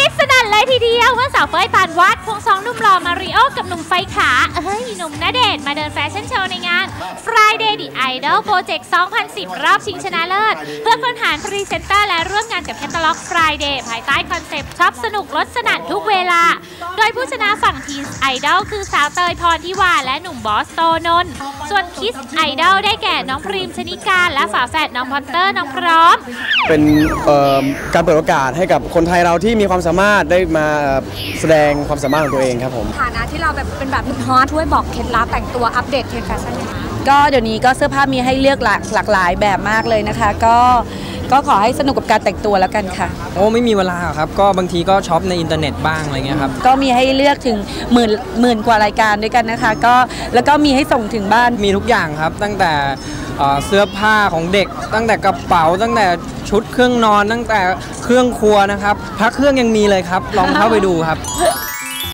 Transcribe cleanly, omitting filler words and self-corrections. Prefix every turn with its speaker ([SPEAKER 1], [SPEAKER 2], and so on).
[SPEAKER 1] ดสนั่นเลยทีเดียวเมื่อสาวเป้ยปานวาดควงสองหนุ่มหล่อมาริโอกับหนุ่มไฟขาหนุ่มณเดชน์มาเดินแฟชั่นโชว์ในงาน Friday The Idol Project 2010 รอบชิงชนะเลิศเพื่อค้นหาพรีเซนเตอร์และร่วมงานกับแคตตาล็อก Friday ภายใต้คอนเซปต์ช็อปสนุกลดสนั่นทุกเวลาโดยผู้ชนะฝั่งทีมไอดอลคือสาวเตยพรทิวาและหนุ่มบอสโตนนท์ส่วนคิสไอดอลได้แก่น้องพรีมชนิการและฝาแฝดน้องพอตเตอร์น้องพร้อม
[SPEAKER 2] เป็นการเปิดโอกาสให้กับคนไทยเราที่มีความสามารถได้มาแสดงความสามารถของตัวเองครับผม
[SPEAKER 3] ฐานะที่เราแบบเป็นแบบฮอตช่วยบอกเคล็ดลับแต่งตัวอัปเดตเทรนด์แฟชั่นนะคะ
[SPEAKER 4] ก็เดี๋ยวนี้ก็เสื้อผ้ามีให้เลือกหลากหลายแบบมากเลยนะคะก็ขอให้สนุกกับการแต่งตัวแล้วกันค่ะ
[SPEAKER 5] โอ้ไม่มีเวลาครับก็บางทีก็ช็อปในอินเทอร์เน็ตบ้างอะไรเงี้ยครับ
[SPEAKER 4] ก็มีให้เลือกถึงหมื่นกว่ารายการด้วยกันนะคะแล้วก็มีให้ส่งถึงบ้าน
[SPEAKER 5] มีทุกอย่างครับตั้งแต่เสื้อผ้าของเด็กตั้งแต่กระเป๋าตั้งแต่ชุดเครื่องนอนตั้งแต่เครื่องครัวนะครับพระเครื่องยังมีเลยครับลองเข้าไปดูครับ